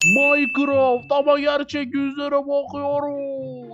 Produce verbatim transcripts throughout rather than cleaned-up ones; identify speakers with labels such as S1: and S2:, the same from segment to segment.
S1: Minecraft ama gerçek yüzlere bakıyoruz.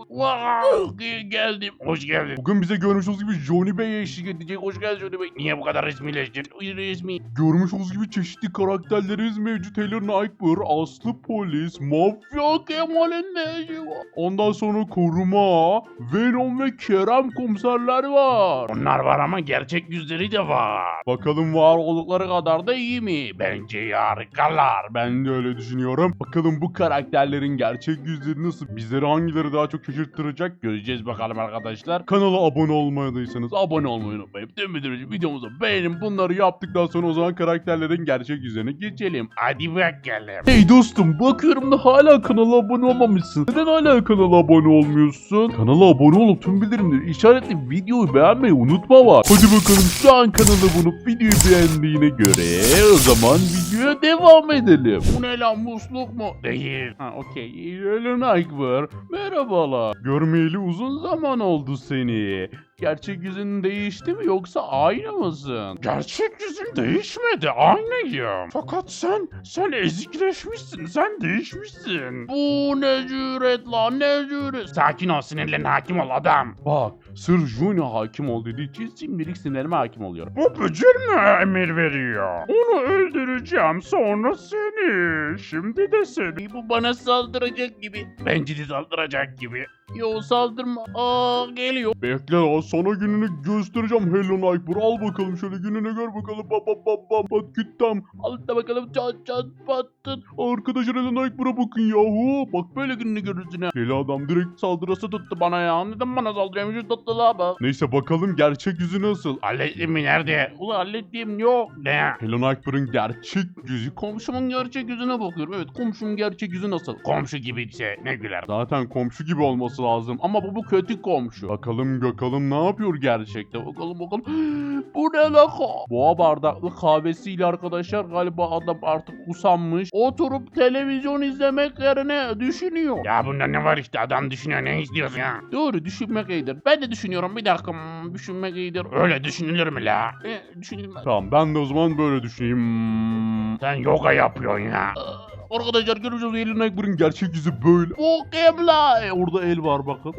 S1: Wow, geldim. Hoş geldin. Bugün bize görmüş olduğunuz gibi Johnny Bey eşlik edecek. Hoş geldin Johnny Bey. Niye bu kadar resmileştin? Resmi. Görmüş olduğunuz gibi çeşitli karakterlerimiz mevcut. Helen Nightmare, Aslı Polis, Mafya Kemal'in ne işi var? Ondan sonra Koruma, Venom ve Kerem komiserler var. Onlar var ama gerçek yüzleri de var. Bakalım var oldukları kadar da iyi mi? Bence harikalar. Ben de öyle düşünüyorum. Bakalım bu karakterlerin gerçek yüzleri nasıl? Bizleri hangileri daha çok şaşırttıracak? Göreceğiz bakalım arkadaşlar. Kanala abone olmadıysanız abone olmayı unutmayın. Dönmeden videomuzu beğenin. Bunları yaptıktan sonra o zaman karakterlerin gerçek yüzlerine geçelim. Hadi bakalım. Hey dostum, bakıyorum da hala kanala abone olmamışsın. Neden hala kanala abone olmuyorsun? Kanala abone olup tüm bildirimleri işaretli videoyu beğenmeyi unutma var. Hadi bakalım, şu an kanala bulup videoyu beğendiğine göre o zaman videoya devam edelim. Bu ne lan, musluk mu? Değil. Ha okey. Helen Nightmare. Merhabalar. Görmeyeli uzun zaman oldu seni. Gerçek yüzün değişti mi yoksa aynı mısın? Gerçek yüzün değişmedi, aynıyım. Fakat sen, sen ezikleşmişsin, sen değişmişsin. Bu ne cüret lan, ne cüret. Sakin ol, sinirlerine hakim ol adam. Bak, sırf Juni hakim ol dediği için şimdilik sinirlerime hakim oluyorum. Bu bücür mü emir veriyor? Onu öldüreceğim, sonra seni. Şimdi de seni. Bu bana saldıracak gibi. Bence de saldıracak gibi. Yo, saldırma. Aa, geliyor. Bekle lan, sana gününü göstereceğim Helen Nightmare. Al bakalım şöyle, gününü gör bakalım. Bam bam bam bam pat küttem. Al da bakalım, çat çat pattın. Arkadaşlar Helen Nightmare'a bakın yahu. Bak böyle gününü görürsün ha. Deli adam direkt saldırısı tuttu bana ya. Neden bana saldırıyormuş, tuttu la bak. Neyse bakalım gerçek yüzü nasıl? Hallettim mi, nerede? Ulan hallettiğim yok. Ne? Helen Nightmare'ın gerçek yüzü. Komşumun gerçek yüzüne bakıyorum. Evet, komşumun gerçek yüzü nasıl? Komşu gibiyse ne güler. Zaten komşu gibi olması lazım ama bu bu kötü komşu. Bakalım bakalım ne yapıyor gerçekten. Bakalım bakalım. Bu ne la? Boğa bardaklı kahvesiyle arkadaşlar galiba adam artık usanmış. Oturup televizyon izlemek yerine düşünüyor. Ya bunda ne var işte, adam düşünüyor, ne istiyorsun ya? Doğru, düşünmek iyidir. Ben de düşünüyorum, bir dakika, hmm, düşünmek iyidir. Öyle düşünülür mü la? E, düşünülmez. Tamam, ben de o zaman böyle düşüneyim. Hmm. Sen yoga yapıyorsun ya. Arkadaşlar görüyorsunuz, Helen Nightmare'ın gerçek yüzü böyle. Bu kim la? E, orada el var bakın.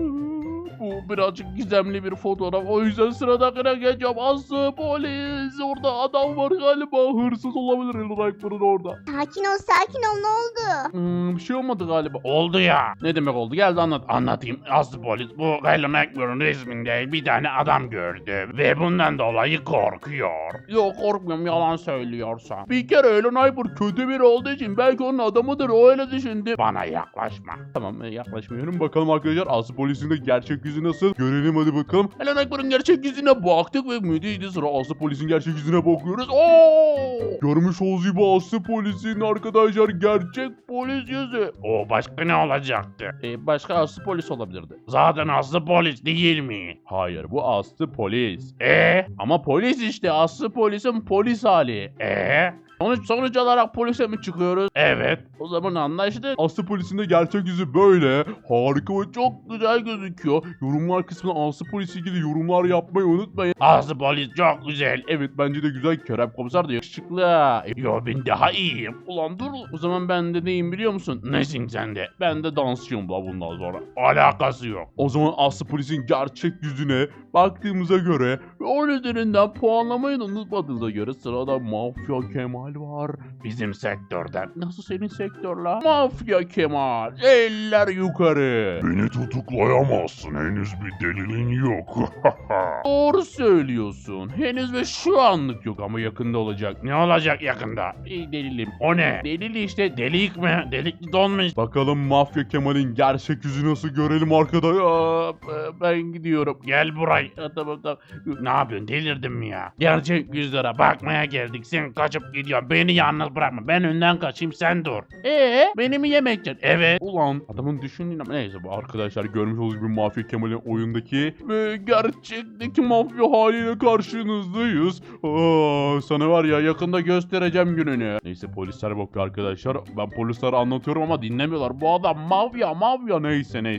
S1: Bu birazcık gizemli bir fotoğraf. O yüzden sıradakine geçeceğim. Aslı Polis. Orada adam var galiba. Hırsız olabilir Helen Nightmare'ın orada.
S2: Sakin ol sakin ol, ne oldu?
S1: Hmm, bir şey olmadı galiba. Oldu ya. Ne demek oldu? Gel de anlat. Anlatayım. Aslı Polis bu Helen Nightmare'ın resminde bir tane adam gördü. Ve bundan dolayı korkuyor. Yok, korkmuyorum, yalan söylüyorsan. Bir kere Helen Nightmare kötü biri olduğu için belki onun adamıdır, o öyle düşündü. Bana yaklaşma. Tamam, yaklaşmıyorum. Bakalım arkadaşlar Aslı Polis'in de gerçek yüzü nasıl? Görelim hadi bakalım. Helen Nightmare'ın gerçek yüzüne baktık ve müthişti. Sıra Aslı Polis'in gerçek yüzüne bakıyoruz. Oo! Görmüş olduğunuz gibi Aslı Polis'in arkadaşlar gerçek polis yüzü. O başka ne olacaktı? Ee, başka Aslı Polis olabilirdi. Zaten Aslı Polis değil mi? Hayır, bu Aslı Polis. Ee? Ama polis işte, Aslı Polis'in polis hali. Ee? Sonuç, sonuç olarak polise mi çıkıyoruz? Evet. O zaman anlaştık. Aslı Polis'in de gerçek yüzü böyle. Harika ve çok güzel gözüküyor. Yorumlar kısmına Aslı Polis'le ilgili yorumlar yapmayı unutmayın. Aslı Polis çok güzel. Evet, bence de güzel. Kerem Komiser de yakışıklı. Yo, ben daha iyiyim. Ulan dur. O zaman ben de neyim biliyor musun? Nesin sen de? Ben de dansçıyım da bundan sonra. Alakası yok. O zaman Aslı Polis'in gerçek yüzüne baktığımıza göre ve onun üzerinden puanlamayı da unutmadığınıza göre sırada Mafya Kemal var. Bizim sektörden. Nasıl senin sektör la? Mafya Kemal. Eller yukarı.
S3: Beni tutuklayamazsın. Henüz bir delilin yok.
S1: Doğru söylüyorsun. Henüz ve şu anlık yok ama yakında olacak. Ne olacak yakında? İyi, delilim. O ne? Delil işte. Delik mi? Delikli donmuş. Bakalım Mafya Kemal'in gerçek yüzü nasıl görelim arkada. Ya, ben gidiyorum. Gel buraya. Tamam tamam. Ne yapıyorsun? Delirdin mi ya? Gerçek yüzlere bakmaya geldik. Sen kaçıp gidiyorsun. Beni yalnız bırakma. Ben önden kaçayım, sen dur. Eee? Beni mi yemekten? Evet. Ulan adamın düşündüğün ama neyse, bu arkadaşlar görmüş olduğunuz gibi Mafya Kemal'in oyundaki ve gerçekteki mafya haliyle karşınızdayız. Aa, sana var ya yakında göstereceğim gününü. Neyse, polisler bakıyor arkadaşlar. Ben polislere anlatıyorum ama dinlemiyorlar. Bu adam mafya mafya neyse neyse.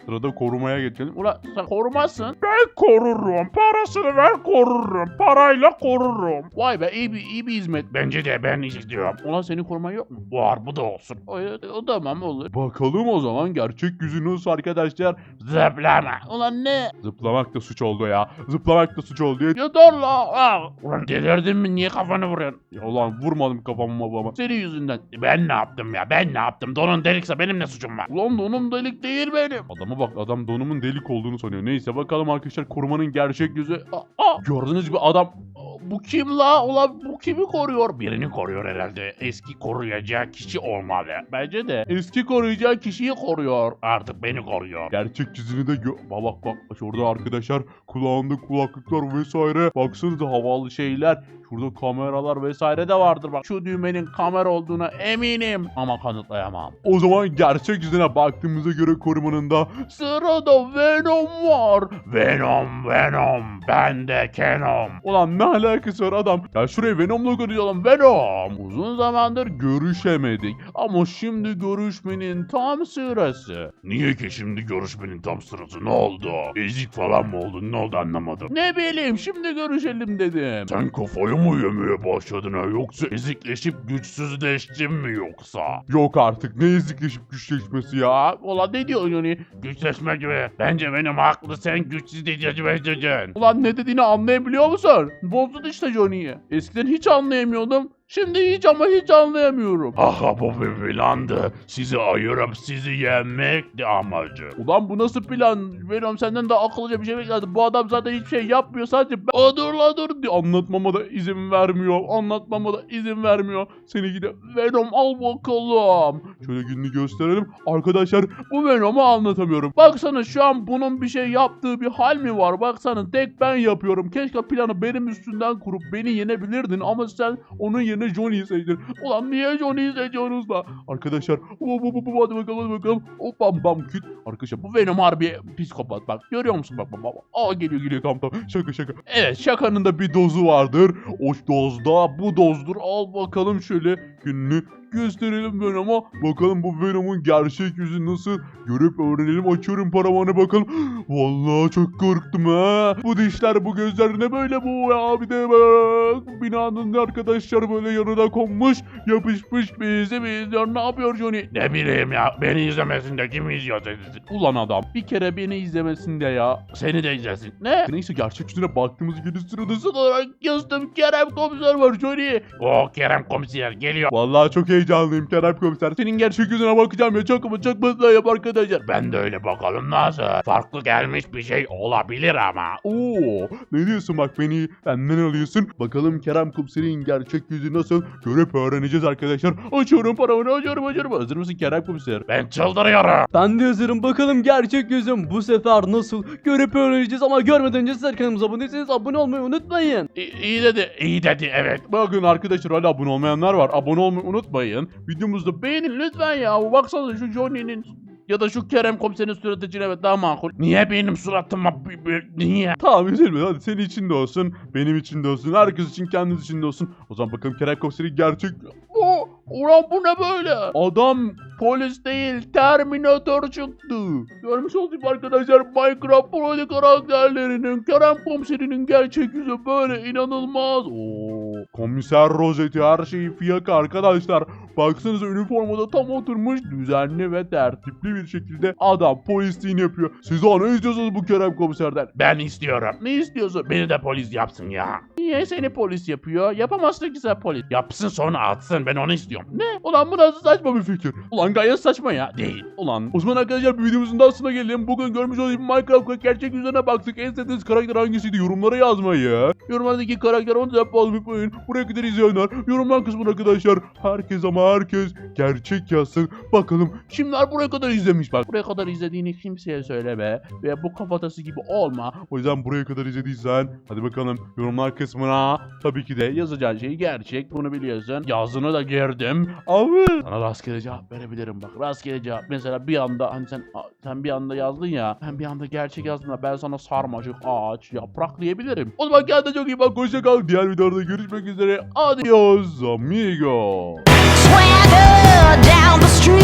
S1: Sırada korumaya geçelim. Ulan sen korumazsın. Ben korurum. Parasını ver korurum. Parayla korurum. Vay be iyi bir, iyi bir hizmet. Bence de ben istiyorum. Ulan senin koruman yok mu? Var bu da olsun. O, o tamam olur. Bakalım o zaman gerçek yüzü nasıl arkadaşlar? Zıplama. Ulan ne? Zıplamak da suç oldu ya. Zıplamak da suç oldu ya. Yeter la. Aa. Ulan delirdin mi? Niye kafanı vuruyorsun? Ya ulan vurmadım kafamı babama. Senin yüzünden. Ben ne yaptım ya? Ben ne yaptım? Donun delikse benim ne suçum var? Ulan donum delik değil benim. Adama bak adam donumun delik olduğunu sanıyor. Neyse bakalım arkadaşlar korumanın gerçek yüzü. Aa, aa. Gördüğünüz gibi adam bu kim la? Ulan bu kimi koruyor? Birini koruyor herhalde. Eski koruyacağı kişi olmalı. Bence de. Eski koruyacağı kişiyi koruyor. Artık beni koruyor. Gerçek yüzünü de gö... Bak bak bak. Şurada arkadaşlar kulağında kulaklıklar vesaire. Baksanıza havalı şeyler. Şurada kameralar vesaire de vardır bak. Şu düğmenin kamera olduğuna eminim. Ama kanıtlayamam. O zaman gerçek yüzüne baktığımıza göre korumanın da sırada Venom var. Venom, Venom. Ben de Kenom. Ulan ne alakası var adam? Ya şuraya Venom'la görüyorum. Venom. Uzun zamandır görüşemedik. Ama şimdi görüşmenin tam sırası.
S3: Niye ki şimdi görüşmenin tam sırası? Ne oldu? Ezik falan mı oldun? Ne oldu anlamadım.
S1: Ne bileyim şimdi görüşelim dedim.
S3: Sen kafayı mı yemeye başladın ha? Yoksa ezikleşip güçsüzleştin mi yoksa?
S1: Yok artık ne ezikleşip güçleşmesi ya. Ulan ne diyorsun yani?
S3: Güçleşme gibi. Bence benim haklı, sen güçsüz diyeceksin.
S1: Ulan ne dediğini anlayabiliyor musun? Bozdun işte Johnny'yi. Eskiden hiç anlayamıyordum. Şimdi hiç ama hiç anlayamıyorum.
S3: Aha bu bir plandı. Sizi ayırıp sizi yenmekti amacı.
S1: Ulan bu nasıl plan? Venom senden daha akıllıca bir şey beklerdim. Bu adam zaten hiçbir şey yapmıyor. Sadece ben... Aa, dur la dur diye anlatmama da izin vermiyor. Anlatmama da izin vermiyor. Seni gide Venom al bakalım. Şöyle gününü gösterelim. Arkadaşlar bu Venom'u anlatamıyorum. Baksana şu an bunun bir şey yaptığı bir hal mi var? Baksana tek ben yapıyorum. Keşke planı benim üstünden kurup beni yenebilirdin. Ama sen onun yerine Johnny'yi seçtin. Ulan niye Johnny'yi seçiyorsunuz da? Arkadaşlar bu bu bu bu hadi bakalım hadi bakalım. O bam bam küt. Arkadaşlar bu Venom harbi psikopat bak. Görüyor musun bak bak bak. Aa geliyor geliyor tamam tamam. Şaka şaka. Evet şakanın da bir dozu vardır. O dozda bu dozdur. Al bakalım şöyle gününü gösterelim Venom'a. Bakalım bu Venom'un gerçek yüzü nasıl? Görüp öğrenelim. Açıyorum paravanı bakalım. Vallahi çok korktum ha. Bu dişler bu gözler ne böyle bu ya? Bir de bak. Binanın arkadaşlar böyle yanına konmuş. Yapışmış bizi izliyor. Ne yapıyor Johnny?
S3: Ne bileyim ya, beni izlemesin de kim izliyor sizi?
S1: Ulan adam bir kere beni izlemesin de ya.
S3: Seni de izlesin.
S1: Ne? Neyse gerçek yüzüne baktığımız gibi sırada olarak yazdım. Kerem komiser var Johnny.
S3: O Kerem komiser geliyor.
S1: Vallahi çok heyecanlıyım Kerem komiser. Senin gerçek yüzüne bakacağım ya. Çok ama çok mutluyum arkadaşlar.
S3: Ben de öyle bakalım nasıl? Farklı gelmiş bir şey olabilir ama.
S1: Oo, ne diyorsun bak beni benden alıyorsun. Bakalım Kerem komiserin gerçek yüzü nasıl? Görüp öğreneceğiz arkadaşlar. Açıyorum paramı açıyorum açıyorum. Hazır mısın Kerem komiser?
S3: Ben çıldırıyorum.
S4: Ben de hazırım. Bakalım gerçek yüzüm bu sefer nasıl? Görüp öğreneceğiz ama görmeden önce sizler kanalımıza abone değilseniz abone olmayı unutmayın.
S3: İyi, iyi dedi, iyi dedi evet.
S1: Bakın arkadaşlar hala abone olmayanlar var. Abone olmayı unutmayın. Videomuzda beğenin lütfen ya. Baksana şu Johnny'nin ya da şu Kerem komiserin suratı için evet daha makul.
S3: Niye benim suratıma b- b- niye?
S1: Tamam üzülme hadi senin için de olsun. Benim için de olsun. Herkes için kendiniz için de olsun. O zaman bakalım Kerem komiserin gerçek... O, ulan bu ne böyle? Adam polis değil Terminator çıktı. Görmüş olduk arkadaşlar Minecraft Pro'lu karakterlerinin Kerem komiserinin gerçek yüzü böyle inanılmaz. Oo, komiser rozeti her şeyi fiyaka arkadaşlar. Baksanıza üniformada tam oturmuş düzenli ve tertipli bir şekilde adam polisliğini yapıyor. Siz daha ne istiyorsunuz bu Kerem komiserden?
S3: Ben istiyorum.
S1: Ne istiyorsun?
S3: Beni de polis yapsın ya.
S1: Niye seni polis yapıyor? Yapamazsın ki sen polis.
S3: Yapsın sonra atsın, ben onu istiyorum.
S1: Ne? Ulan bu nasıl saçma bir fikir? Ulan gayet saçma ya.
S3: Değil.
S1: Ulan o zaman arkadaşlar bir videomuzun daha sonuna gelelim. Bugün görmüş olduğunuz gibi Minecraft gerçek yüzüne baktık. En sevdiğiniz karakter hangisiydi? Yorumlara yazmayı. Yorumlardaki karakter onu da yapmayı unutmayın. Buraya kadar izleyenler yorumlar kısmına arkadaşlar. Herkes ama herkes gerçek yazsın. Bakalım kimler buraya kadar izlemiş bak. Buraya kadar izlediğini kimseye söyleme. Ve bu kafatası gibi olma. O yüzden buraya kadar izlediysen hadi bakalım yorumlar kısmına tabii ki de yazacağın şey gerçek. Bunu biliyorsun. Yazını da girdim. Abi sana rastgele cevap verebilirim bak. Rastgele cevap. Mesela bir anda hani sen sen bir anda yazdın ya. Ben bir anda gerçek yazdım da ben sana sarmaşık, ağaç, yaprak diyebilirim. O zaman kendine çok iyi bak. Hoşça kal. Diğer videoda görüşmek üzere. Adios amigo.
S5: Swagger down the street.